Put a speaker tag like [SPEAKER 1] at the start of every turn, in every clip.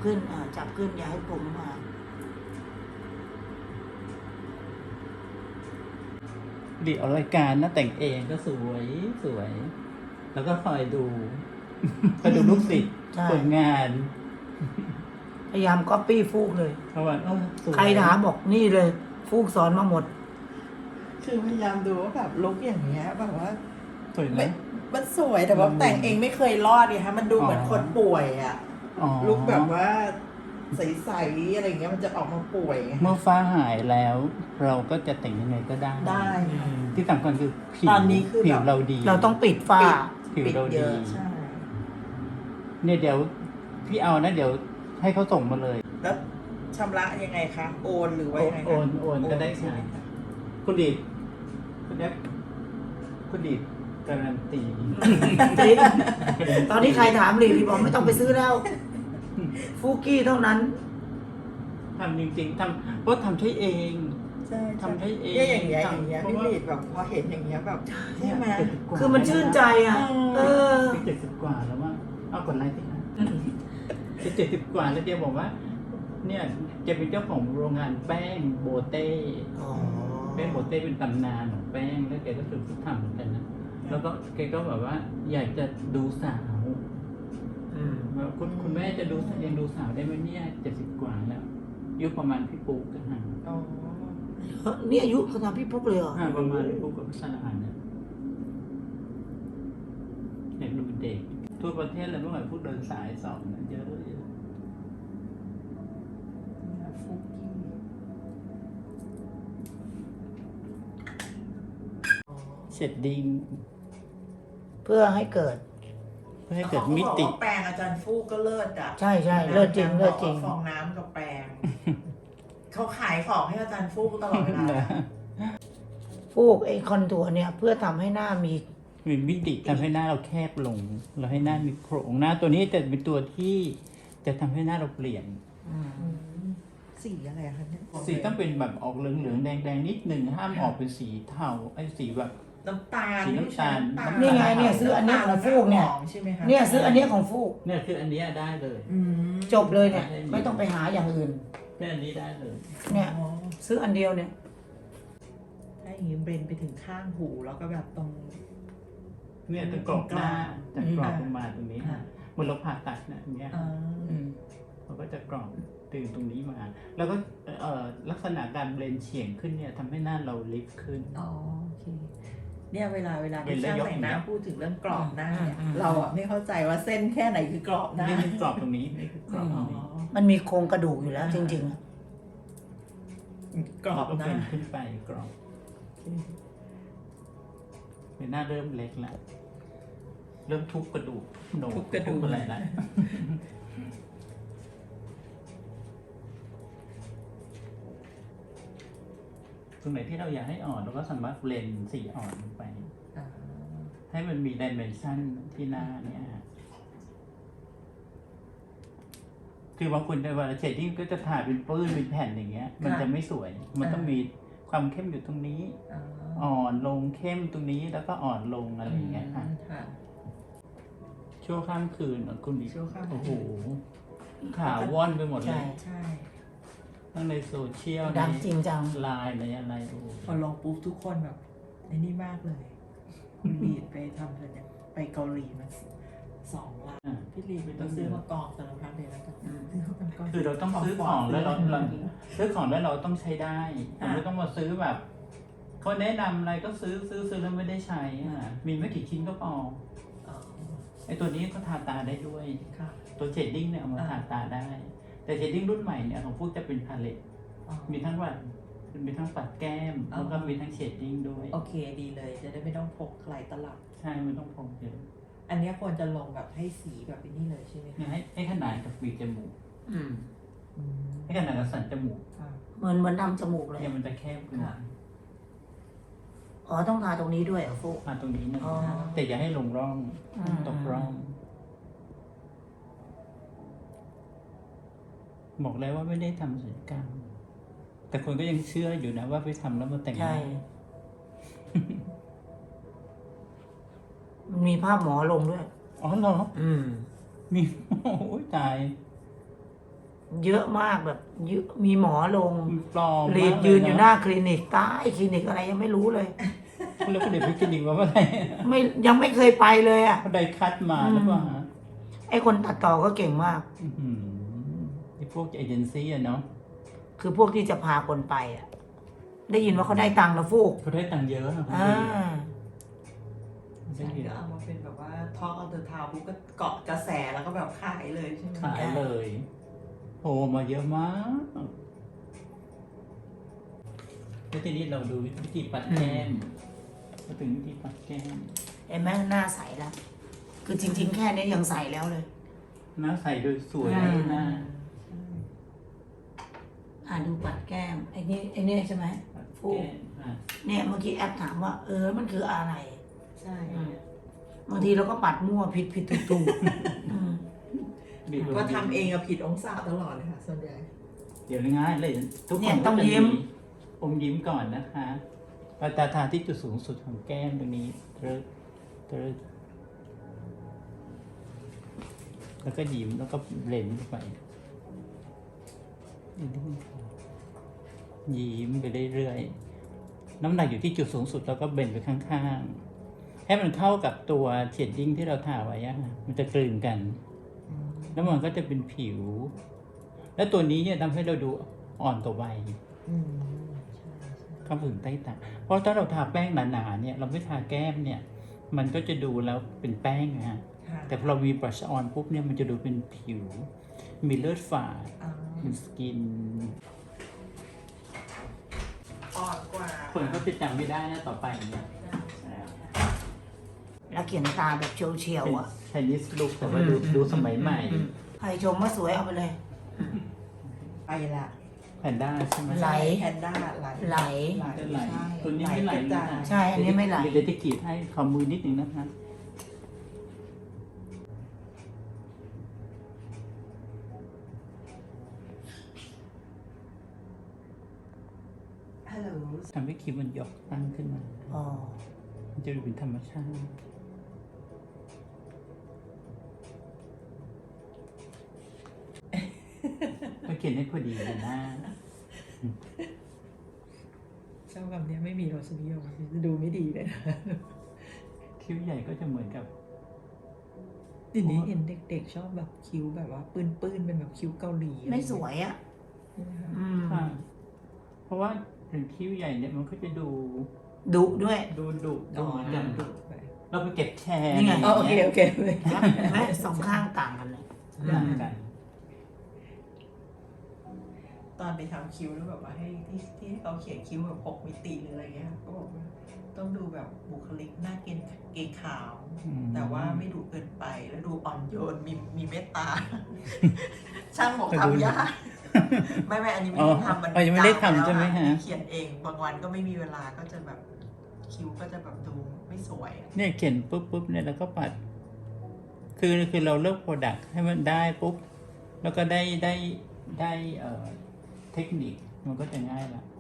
[SPEAKER 1] ขึ้นจับขึ้นอย่าให้ผม
[SPEAKER 2] ดีออกรายการนะแต่งเองก็สวยสวย แล้วก็คอยดู คอยดูลูกศิษย์ผลงาน
[SPEAKER 1] พยายามก๊อปปี้ฟูกเลย
[SPEAKER 2] เพราะว่าสวย
[SPEAKER 1] ใครถามบอกนี่เลย ฟูกสอนมาหมด
[SPEAKER 3] คือพยายามดูว่าแบบลุกอย่างเงี้ยแบบว่า
[SPEAKER 2] สวยไหม
[SPEAKER 3] มันสวยแต่ว่าแต่งเองไม่เคยรอดไงฮะมันดูเหมือนคนป่วยอ่ะ
[SPEAKER 2] อ๋อ
[SPEAKER 3] ลุกแบบว่าใสๆอะไรเงี้ยมันจะออกมาป่วยไง
[SPEAKER 2] เมื่อฟ้าหายแล้ว เราก็จะแต่งยังไงก็ได้
[SPEAKER 3] ได้ค่ะ
[SPEAKER 2] ที่สำคัญคือผิว
[SPEAKER 3] ตอนนี้คือแบบ
[SPEAKER 2] ผิวเราดี
[SPEAKER 1] เราต้องปิดฝ้า
[SPEAKER 2] ผิว
[SPEAKER 3] ปิด
[SPEAKER 2] เรา
[SPEAKER 3] เย
[SPEAKER 2] ดี
[SPEAKER 3] อะใช่
[SPEAKER 2] เนี่ยเดี๋ยวพี่เอานะเดี๋ยวให้เขาส่งมาเลย
[SPEAKER 3] แล้วชำระยังไงคะโอนหรือว่ายังไงคะ
[SPEAKER 2] โอนก็ได้
[SPEAKER 3] ใช่ไหม
[SPEAKER 2] ค่ะ
[SPEAKER 3] คะ
[SPEAKER 2] คุณดีดคุณแอ๊กคุณดีดการันตี
[SPEAKER 1] ตอนนี้ใครถามรีพี่บอกไม่ต้องไปซื้อแล้ว ฟูกี้เท่านั้น
[SPEAKER 2] ทำจริงๆทำเพราะทำใช้เอง
[SPEAKER 3] ใช่
[SPEAKER 2] ทำให้เอง
[SPEAKER 3] เนี่ยอย่างเงี้ยอย่างเงี้ย
[SPEAKER 2] เพราะ
[SPEAKER 3] พี่
[SPEAKER 2] ว่า
[SPEAKER 3] ลีดแบบพอเห็นอย่างเงี้ยแบบใช่ไหม
[SPEAKER 2] 70กว่า
[SPEAKER 1] คือมันชื่นใจเออ
[SPEAKER 2] 70 กว่าแล้วว่าเอากดไลค์สิคะจะ70 กว่าแล้วเจ๊บอกว่า เนี่ยจะเป็นเจ้าของโรงงานแป้งโบเต้แป้งโบเต้เป็นตำนานของแป้งแล้วแกก็ฝึกทำเหมือนกันนะแล้วก็แกก็แบบว่า อยากจะดูสาวว่าคุณแม่จะดูยังดูสาวได้ไหมเนี่ย70 กว่าแล้วอายุประมาณพี่ปุ๊กกันห่าง
[SPEAKER 3] อ๋อ
[SPEAKER 1] นี่อายุขนาดพี่ปุ๊กเลยเหรอ
[SPEAKER 2] ประมาณพี่ปุ๊กกับพี่สารานเนี่ยเด็กดูเป็นเด็กทั่วประเทศเลยเมื่อก่อนพวกเดินสายสองนะเยอะ
[SPEAKER 3] ฟุกกี้อ๋อ
[SPEAKER 2] เสร็จดิ้ง
[SPEAKER 1] เพื่อให้เกิด
[SPEAKER 2] เพื่อให้เกิดมิติ
[SPEAKER 3] เขาบอกว่าแปรงอาจารย์ฟูกก็เลิศอ่ะ
[SPEAKER 1] ใช่เลิศจริงเลิศจริง
[SPEAKER 3] ฟองน้ำกับแปรง เขาขายของให้อาจารย์ฟูกตลอดเวลา
[SPEAKER 1] ฟูกไอ้คอนทัวร์เนี่ย เพื่อทำให้หน้ามี
[SPEAKER 2] มีมิติทำให้หน้าเราแคบลง เราให้หน้ามีโครงหน้าตัวนี้จะเป็นตัวที่จะทำให้หน้าเราเปลี่ยน
[SPEAKER 3] สีอะไรอะคะเนี่ย
[SPEAKER 2] สีต้องเป็นแบบออกเหลืองๆแดงๆนิดหนึ่งห้ามออกเป็นสีเทาไอ้สีแบบ
[SPEAKER 3] น้ำตาล
[SPEAKER 2] สีน้ำตาล
[SPEAKER 1] นี่ไงเนี่ยซื้ออันนี้ของฟูกเนี่ย
[SPEAKER 3] ใช่ไหมคะ
[SPEAKER 1] เนี่ยซื้ออันเนี้ยของฟูก
[SPEAKER 2] เนี่ยคืออันเนี้ยได้เลย
[SPEAKER 3] อืม
[SPEAKER 1] จบเลยเนี่ย ไม่ต้องไปหาอย่างอื่น
[SPEAKER 2] แค่อันนี้ได้เลย
[SPEAKER 1] เนี่ย
[SPEAKER 3] อ๋อ
[SPEAKER 1] ซื้ออันเดียวเนี่ย
[SPEAKER 3] ถ้าอย่างนี้เบนไปถึงข้างหูแล้วก็แบบตรง
[SPEAKER 2] เนี่ยจะกรอบหน้าจะกรอบ
[SPEAKER 3] อืม
[SPEAKER 2] ลงมาตรงนี้
[SPEAKER 3] ค่ะ
[SPEAKER 2] เหมือนเราผ่าตัดนะอย่างเงี้ย
[SPEAKER 3] อ่า
[SPEAKER 2] เราก็จะกรอบตื่นตรงนี้มา แล้วก็ลักษณะการเบลนเฉียงขึ้นเนี่ยทำให้หน้าเราลิฟต์ขึ้น
[SPEAKER 3] อ๋อโอเคเนี่ยเวลา
[SPEAKER 2] เห็
[SPEAKER 3] ที่
[SPEAKER 2] นแล้
[SPEAKER 3] ช่าว ง
[SPEAKER 2] ยก
[SPEAKER 3] แต่งหน้า
[SPEAKER 2] อย่างเงี้ย
[SPEAKER 3] พูดถึงเรื่องกรอบหน้าเนี่ย
[SPEAKER 1] อืม
[SPEAKER 3] เราอ่ะไม่เข้าใจว่าเส้นแค่ไหนคือกรอบหน้า
[SPEAKER 2] นี่คือกรอบตรงนี้นี่คือกรอบต
[SPEAKER 3] อ๋
[SPEAKER 2] ร
[SPEAKER 3] อง
[SPEAKER 2] นี้
[SPEAKER 1] มันมีโครงกระดูกอยู่แล้ว จริงๆอะ
[SPEAKER 3] กรอบ
[SPEAKER 2] ก็
[SPEAKER 3] หน้า
[SPEAKER 2] เป็นขึ้นไปกรอบเป็นหน้าเริ่มเล็กแล้วเริ่มทุบกระดูกโหน
[SPEAKER 3] ทุบกระดูก
[SPEAKER 2] อะไรแล้วตรงไหนที่เราอยากให้อ่อนเราก็สามารถเบลนสีอ่อนลงไป
[SPEAKER 3] อ่า
[SPEAKER 2] ให้มันมีดิเมนชันที่หน้าเนี่ยคือบางคนในเวลาเชดดิ้งก็จะถ่ายเป็นปื้นเป็นแผ่นอย่างเงี้ย มันจะไม่สวย มันต้องมีความเข้มอยู่ตรงนี้
[SPEAKER 3] อ่า
[SPEAKER 2] อ่อนลงเข้มตรงนี้แล้วก็อ่อนลงอะไรอย่างเงี้ยค่ะ
[SPEAKER 3] ค่ะ
[SPEAKER 2] ชั่วข้ามคืนคุณดิ
[SPEAKER 3] ชั่วข้ามคืน
[SPEAKER 2] โอ้โหข่าวว่อนไปหมดเล
[SPEAKER 1] ใช่
[SPEAKER 2] ย
[SPEAKER 3] ใช่
[SPEAKER 2] ทั้งในโซเชียล
[SPEAKER 1] ดังจริงจัง
[SPEAKER 2] ไลน์ในอะไรโอ้โห
[SPEAKER 3] พอลงปุ๊บทุกคนแบบไอ้นี่มากเลยคุณลีดไปทำอะไรเนี่ยไปเกาหลีมา2 ล้านพี่ลีดไปต้องซื้อมากองสารพัดเลยแล้วกันซื้อมาเป็นก้อน
[SPEAKER 2] คือเราต้องซื้อของแล้วเราซื้อของแล้วเราต้องใช้ได้เราไม่ต้องมาซื้อแบบเขาแนะนำอะไรก็ซื้อแล้วไม่ได้ใช้อ่ะมีไม่กี่ชิ้นก็พอ
[SPEAKER 3] อ๋อ
[SPEAKER 2] ไอตัวนี้ก็ทาตาได้ด้วย
[SPEAKER 3] ค่ะ
[SPEAKER 2] ตัวเชดดิ้งเนี่ยเอามาทาตาได้ แต่เชดดิ้งรุ่นใหม่เนี่ยของพวกจะเป็นพาเลต
[SPEAKER 3] อ๋อ
[SPEAKER 2] มีทั้งแบบมีทั้งปัดแก้ม
[SPEAKER 3] อ๋อ
[SPEAKER 2] แล้วก็มีทั้งเชดดิ้งด้วย
[SPEAKER 3] โอเคดีเลย จะได้ไม่ต้องพกหลายตลับ
[SPEAKER 2] ใช่ไม่ต้องพรมเยอะ
[SPEAKER 3] อันเนี้ยควรจะลงแบบให้สีแบบนี้เลยใช่ไหม
[SPEAKER 2] เนี่ย
[SPEAKER 3] คะ
[SPEAKER 2] ให้ขนาดกับปีกจมูก
[SPEAKER 1] อืม
[SPEAKER 3] อืม
[SPEAKER 2] ให้ขนาดกับสันจมูก
[SPEAKER 3] ค่ะ
[SPEAKER 1] เหมือนทำจมูกเลย
[SPEAKER 2] เนี่ยมันจะแคบขึ้น
[SPEAKER 3] ค่ะ
[SPEAKER 1] อ๋อต้องทาตรงนี้ด้วยเหรอฟูก
[SPEAKER 2] มาตรงนี้นะ
[SPEAKER 1] อ๋อ
[SPEAKER 2] แต่อย่าให้ลงร่อง
[SPEAKER 1] อืม
[SPEAKER 2] ตกร่อง บอกแล้วว่าไม่ได้ทำศัลยกรรม แต่คนก็ยังเชื่ออยู่นะว่าไปทำแล้วมาแต่งห
[SPEAKER 1] ใช่
[SPEAKER 2] น้า
[SPEAKER 1] มันมีภาพหมอลงด้วย
[SPEAKER 2] อ๋อเหรอ
[SPEAKER 1] อืม
[SPEAKER 2] มี โอ้ยตาย
[SPEAKER 1] เยอะมากแบบเยอะมีหมอลง
[SPEAKER 2] ปลอม
[SPEAKER 1] รีดยืนอยู่หน้าคลินิกใต้คลินิกอะไรยังไม่รู้เลย
[SPEAKER 2] แล้วก็เดี๋ยวไปคลินิกมาเมื่อไหร่
[SPEAKER 1] ไม่ยังไม่เคยไปเลยอ่ะ
[SPEAKER 2] เขาได้คัดมาหรือเปล่าฮะ
[SPEAKER 1] ไอ้คนตัดต่อก็เก่งมาก
[SPEAKER 2] อื้อหือไอ้พวกเอเจนซี่อะเนาะ
[SPEAKER 1] คือพวกที่จะพาคนไปอ่ะ ได้ยินว่าเขาได้ตังค์นะฟูก
[SPEAKER 2] เขาได้ตังค์เยอะนะ
[SPEAKER 1] อ่า
[SPEAKER 2] ได้
[SPEAKER 3] ฉัน
[SPEAKER 2] เย
[SPEAKER 3] ก็
[SPEAKER 2] อะ
[SPEAKER 3] เอามาเป็นแบบว่า Talk of the Town ปุ๊บก็เกาะกระแสแล้วก็แบบขายเลยใช่ไหม
[SPEAKER 2] ขายเลยโผล่มาเยอะมากแล้วทีนี้เราดูวิธีปัดแก้มมาถึงวิธีปัดแก้ม
[SPEAKER 1] เห็นไหมหน้าใสแล้ว คือจริง ๆ แค่นี้ยังใสแล้วเลย
[SPEAKER 2] หน้าใสโดยสวย
[SPEAKER 1] อืม
[SPEAKER 2] หน้า
[SPEAKER 1] ดูปัดแก้มไอ้นี่ใช่ไหม
[SPEAKER 2] ปัด
[SPEAKER 1] ฟูก
[SPEAKER 2] แก้มอ่ะ
[SPEAKER 1] เนี่ยเมื่อกี้แอปถามว่า มันคืออะไร
[SPEAKER 3] ใช่
[SPEAKER 1] บางทีเราก็ปัดมั่วผิดถูกอืม
[SPEAKER 2] บีบ
[SPEAKER 3] ก็ทำเองอะผิดองศาตลอดเลยค่ะส่วนใหญ่
[SPEAKER 2] เดี๋ยวง่ายเลยทุกคนก็จะอมยิ้มก่อนนะคะปตาทาที่จุดสูงสุดของแก้มตรงนี้เติร์ดแล้วก็ยิ้มแล้วก็เบลนเข้าไปยิ้มไปเรื่อยๆน้ำหนักอยู่ที่จุดสูงสุดแล้วก็เบนไปข้างๆให้มันเข้ากับตัวเชดดิ้งที่เราทาไว้อะค่ะมันจะกลืนกัน แล้วมันก็จะเป็นผิว และตัวนี้เนี่ยทำให้เราดูอ่อนกว่าวัย
[SPEAKER 3] อืม
[SPEAKER 2] ข้างถึงใต้ตาเพราะถ้าเราทาแป้งหนาๆเนี่ยเราไม่ทาแก้มเนี่ย มันก็จะดูแล้วเป็นแป้งนะฮะ
[SPEAKER 3] ใช่
[SPEAKER 2] แต่พอเรามีบรัชออนปุ๊บเนี่ยมันจะดูเป็นผิว มีเลือดฝาด
[SPEAKER 3] อ่า
[SPEAKER 2] เป็นสกิน
[SPEAKER 3] อ่อนกว่า
[SPEAKER 2] คนก็จะจำไม่ได้นะต่อไปเนี่ย
[SPEAKER 1] แล้วเขียนตาแบบเฉียวๆอ่ะ
[SPEAKER 2] ไชนีสลุกแต่ว่าดูสมัยใหม่
[SPEAKER 1] ใครชมว่าสวยเอาไปเลย
[SPEAKER 3] ไปละ
[SPEAKER 2] แพนด้าใช่ไหม
[SPEAKER 1] ไหล
[SPEAKER 3] แพนด้าไหล
[SPEAKER 1] ไหล
[SPEAKER 2] จะไหล
[SPEAKER 3] ใช่
[SPEAKER 2] ตัวนี้ไม่ไหล
[SPEAKER 3] กระจาย
[SPEAKER 1] ใช่ อันนี้ไม่ไหล
[SPEAKER 2] เดี๋ยวจะกรีดให้ขอมือนิดนึงนะคะ
[SPEAKER 3] ฮัลโหล
[SPEAKER 2] ทำให้คิ้วมันหยกตั้งขึ้นมา
[SPEAKER 1] อ๋อ
[SPEAKER 2] มันจะดูเป็นธรรมชาติ ก็เขียนให้พอดีเลยนะ
[SPEAKER 3] เจ้าคำนี้ไม่มีรสนิยมจะดูไม่ดีเลยนะ
[SPEAKER 2] คิ้วใหญ่ก็จะเหมือนกับ
[SPEAKER 3] ทีนี้เห็นเด็กๆชอบแบบคิ้วแบบว่าปื้นๆเป็นแบบคิ้วเกาหลี
[SPEAKER 1] ไม่สวยอ่ะ
[SPEAKER 3] ใช่ไหมคะ
[SPEAKER 1] อืม
[SPEAKER 2] ค่ะ เพราะว่าถึงคิ้วใหญ่เนี่ยมันก็จะดู
[SPEAKER 1] ดุด้วย
[SPEAKER 2] ดุดู
[SPEAKER 3] อ๋อ
[SPEAKER 2] เหมือนกัน
[SPEAKER 3] ดุไป
[SPEAKER 2] เราไปเก็บแชร์
[SPEAKER 1] นี่ไง
[SPEAKER 3] อ๋อโอเคโอเค
[SPEAKER 1] เห็นไหมสองข้างต่างกันเลย
[SPEAKER 2] ต่างกัน
[SPEAKER 3] ตอนไปทำคิ้วแล้วแบบว่าให้ที่ให้เขาเขียนคิ้วแบบ6 มิติหรืออะไรเงี้ยก็บอกว่าต้องดูแบบบุคลิกหน้าเกรงขาว แต่ว่าไม่ดูเกินไปแล้วดูอ่อนโยนมีเมตตา ช่างบอกทำยากไม่อันนี้ไม่ได้ทำมัน
[SPEAKER 2] ยังไม่ได้ทำใช่ไหมฮะ
[SPEAKER 3] เขียนเองบางวันก็ไม่มีเวลาก็จะแบบคิ้วก็จะแบบดูไม่สวยอะ
[SPEAKER 2] เนี่ยเขียนปุ๊บเนี่ยแล้วก็ปัด คือเราเลือกโปรดักต์ให้มันได้ปุ๊บ แล้วก็ได้เทคนิคมันก็จะง่ายละ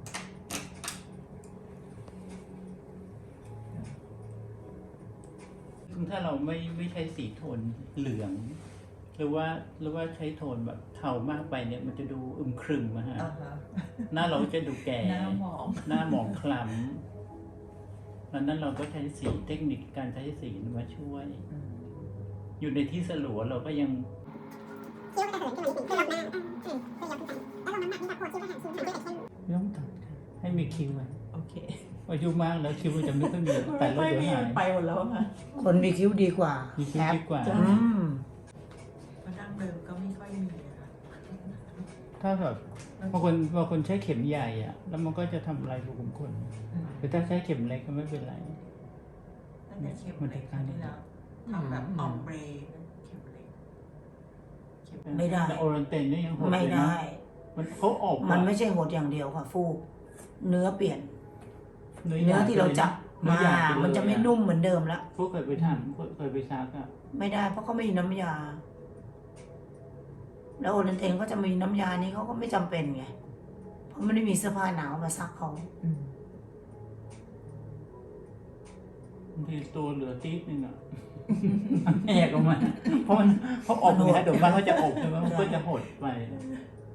[SPEAKER 2] ถ้าเราไม่ใช้สีโทนเหลือง หรือว่าใช้โทนแบบเทามากไปเนี่ย มันจะดูอึมครึมอะฮะ
[SPEAKER 3] อ่าฮะ
[SPEAKER 2] หน้าเราก็จะดูแก่
[SPEAKER 3] หน้าหมอง
[SPEAKER 2] หน้าหมองคล้ำดังนั้นเราก็ใช้สีเทคนิคการใช้สีมาช่วย อยู่ในที่สลัวเราก็ยัง
[SPEAKER 4] คิ้วก็จะเหินขึ้นมานิดนึงเพื่อรับหน้าเพื่อยับขึ้นไปแล้วลงน้ำหนักนี่แบบโคตรคิ้วก็หางคิ้วหางด้วยแต่เข้ม
[SPEAKER 2] ไม่ต้องตัดให้มีคิ้วไว้
[SPEAKER 3] โอเค
[SPEAKER 2] อายุมากแล้วคิ้วมันจะไม่ค่อยมีแต่แล้วเดี๋ยวหาย
[SPEAKER 3] ไปหมดแล้วค่ะ
[SPEAKER 1] คนมีคิ้วดีกว่า
[SPEAKER 2] มีคิ้วดีกว่า
[SPEAKER 1] อืม
[SPEAKER 3] เพราะดั้งเดิมก็ไม่ค่อยมีอะค่ะ
[SPEAKER 2] ถ้าแบบบางคนใช้เข็มใหญ่อะแล้วมันก็จะทำลายรูขุมขนแต่ถ้าใช้เข็มเล็กก็ไม่เป็นไร
[SPEAKER 3] ตั้งแต่เข็มเล็กครั้งที่แล้วทำแบบออมเบรเข็มเล็กเข็ม
[SPEAKER 1] ไม่ได้
[SPEAKER 2] แต่โอรันเตนเนี่ยยังโหด
[SPEAKER 1] ไม่
[SPEAKER 2] เลยนะ
[SPEAKER 1] ได้
[SPEAKER 2] มันเขาออก
[SPEAKER 1] มันไม่ใช่หดอย่างเดียวค่ะ ฟูก เนื้อเปลี่ยน
[SPEAKER 2] เนื้
[SPEAKER 1] เนื้อที่เราจับมา
[SPEAKER 2] เนื้อหยบปเลย
[SPEAKER 1] มันจะไม่นุ่มเหมือนเดิมละ
[SPEAKER 2] พวกเคยไปทำเคยไปซักอะ
[SPEAKER 1] ไม่ได้เพราะเขาไม่มีน้ำยา แล้วโอเรนเตนก็จะมีน้ำยานี้เขาก็ไม่จำเป็นไง เพราะมันไม่มีเสื้อผ้าหนาวมาซักเขา
[SPEAKER 2] บางทีตัวเหลือตีดนึงอะแหกออกมาเพราะออกเนื้อเดี๋ยวมันก็จะอบใช่ไหมมันก็จะหดไป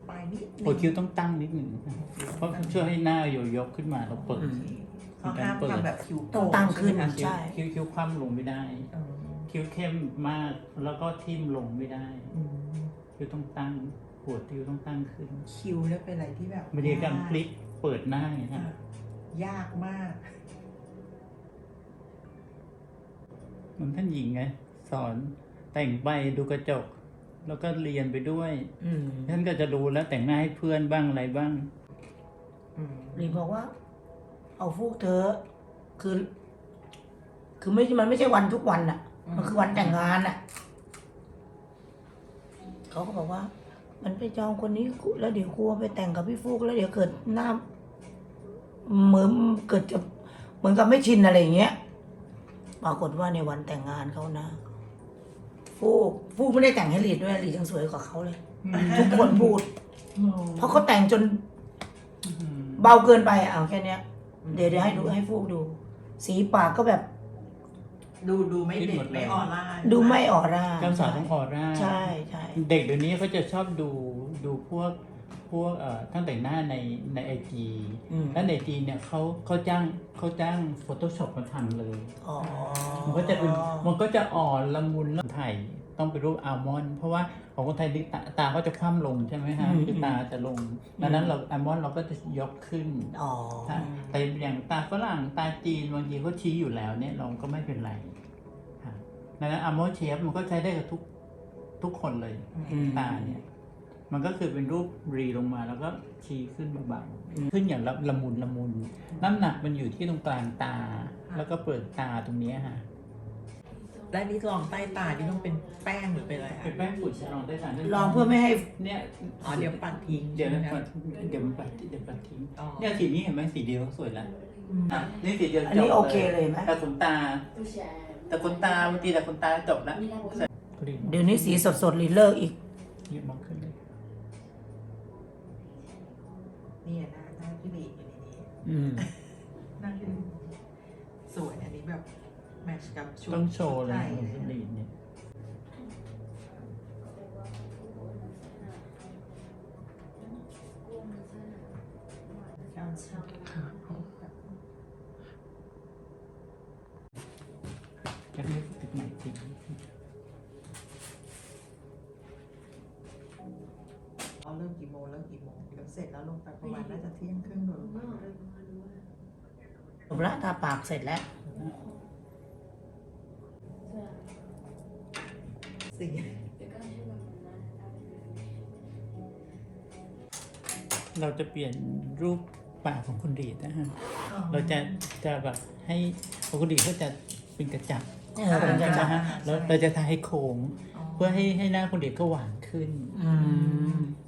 [SPEAKER 3] ปลายนิดนึ
[SPEAKER 2] หัวคิ้วต้องตั้งนิดหนึ่งเพราะช่วยให้หน้าอยู่ยกขึ้นมาแล้วเปิด
[SPEAKER 3] เขาห้ามทำแบบคิ้วโก่
[SPEAKER 1] ต้องตั้งขึ้น
[SPEAKER 3] ใช่ไหมคะ
[SPEAKER 1] ใช่
[SPEAKER 2] คิ้วคว่ำลงไม่ได้
[SPEAKER 3] เออ
[SPEAKER 2] คิ้วเข้มมากแล้วก็ทิ่มลงไม่ได้
[SPEAKER 3] อืม
[SPEAKER 2] คิ้วต้องตั้งหัวคิ้วต้องตั้งขึ้น
[SPEAKER 3] คิ้วเนี่ยเป็นอะไรที่แบบ
[SPEAKER 2] มันมีการพลิกเปิดหน้าไงฮะ
[SPEAKER 3] ยากมาก
[SPEAKER 2] เหมือนท่านหญิงไงสอนแต่งไปดูกระจก แล้วก็เรียนไปด้วย
[SPEAKER 1] อืม
[SPEAKER 2] ท่านก็จะรู้แล้วแต่งหน้าให้เพื่อนบ้างอะไรบ้าง
[SPEAKER 1] ลีบอกว่า เอาฟูกเธอะคือมันไม่ใช่วันทุกวันอ่ะ มันคือวันแต่งงานอ่ะเขาก็บอกว่า มันไปจองคนนี้แล้วเดี๋ยวกลัวไปแต่งกับพี่ฟูกแล้วเดี๋ยวเกิดหน้าเหมือนเกิดจะเหมือนกับไม่ชินอะไรอย่างเงี้ยปรากฏว่าในวันแต่งงานเขานะฟูกไม่ได้แต่งให้ลีดด้วยลีดยังสวยกว่าเขาเลย ทุกคนพูด เพราะเขาแต่งจนเบาเกินไปเอาแค่เนี้ย เดี๋ยวให้ฟูกดู สีปากก็แบบ
[SPEAKER 3] ดูไม่เด็ดไม่ออร่า
[SPEAKER 1] ดูไม่ออร่า
[SPEAKER 2] การสาวต้องออร่า
[SPEAKER 1] ใช่ใช่
[SPEAKER 2] เด็กเดี๋ยวนี้เขาจะชอบดูพวกท่านแต่งหน้าในไอจี
[SPEAKER 1] อืม
[SPEAKER 2] แล้วในไอจีเนี่ยเขาจ้าง Photoshop มาทำเลย
[SPEAKER 1] อ๋อ
[SPEAKER 2] มันก็จะอ่อนละมุนแล้วไทยต้องเป็นรูปอัลมอนด์เพราะว่าของคนไทยตาก็จะคว่ำลงใช่ไหมฮะคือตาจะลงดังนั้นเราอัลมอนด์เราก็จะยกขึ้น
[SPEAKER 1] อ๋อ
[SPEAKER 2] แต่อย่างตาฝรั่งตาจีนบางทีเขาชี้อยู่แล้วเนี่ยเราก็ไม่เป็นไรค่ะดังนั้นอัลมอนด์เชฟมันก็ใช้ได้กับทุกคนเลย
[SPEAKER 1] อืม
[SPEAKER 2] ตาเนี่ยมันก็คือเป็นรูปรีลงมาแล้วก็ชี้ขึ้นเบาๆขึ้นอย่างละมุนน้ำหนักมันอยู่ที่ตรงกลางตา แล้วก็เปลือกตาตรงเนี้ยค่ะ
[SPEAKER 3] และนี่ลองใต้ตานี่ต้องเป็นแป้งหรือเป็นอะไรคะ
[SPEAKER 2] เป็นแป้งฝุ่นลองได้ทาน
[SPEAKER 1] ลองเพื่อไม่ให้
[SPEAKER 2] เนี่ย
[SPEAKER 3] อ๋อเดี๋ยวปัดทิ้ง
[SPEAKER 2] เดี๋ยวมัน
[SPEAKER 3] ใช่ไหม
[SPEAKER 2] ปัดเดี๋ยวมันปัดทิ้ง
[SPEAKER 3] อ๋อ
[SPEAKER 2] เนี่ยสีนี้เห็นไหมสีเดียวก็สวยแล้วอ่ะนี่สีเดียว
[SPEAKER 1] อันนี้
[SPEAKER 2] จบ
[SPEAKER 1] โอเคเลยไหม
[SPEAKER 2] แต่ขนตาบางทีแต่ขนตาจบแล้ว
[SPEAKER 1] เดี๋ยวนี้สีสดๆลีเลิกอีก
[SPEAKER 2] เยอะมากขึ้นเลย
[SPEAKER 3] เนี่ยหน้าพี่บีอยู่ในนี้
[SPEAKER 1] อืม
[SPEAKER 3] หน้าพี่บีสวยอันนี้แบบแมทช์กับชุด
[SPEAKER 2] ต้องโชว์เลย
[SPEAKER 3] ไท
[SPEAKER 2] ของสลีดเนี่ย จะให้ติดใหม่จริง
[SPEAKER 3] เอาเริ่มกี่โมงเดี๋ยวเสร็จแล้วลงไปประมาณน่าจะเที่ยงครึ่งโดยประมาณ
[SPEAKER 1] จบละทาปากเสร็จแล้ว
[SPEAKER 3] สี่
[SPEAKER 2] เราจะเปลี่ยนรูปปากของคุณดีดนะฮะ เราจะแบบให้ของคุณดีดก็จะเป็นกระจับ
[SPEAKER 1] เป็นกระจับ
[SPEAKER 2] นะฮะแล้วเราจะทาให้โค้งเพื่อให้หน้าคุณดีดก็หวานขึ้น
[SPEAKER 1] อืม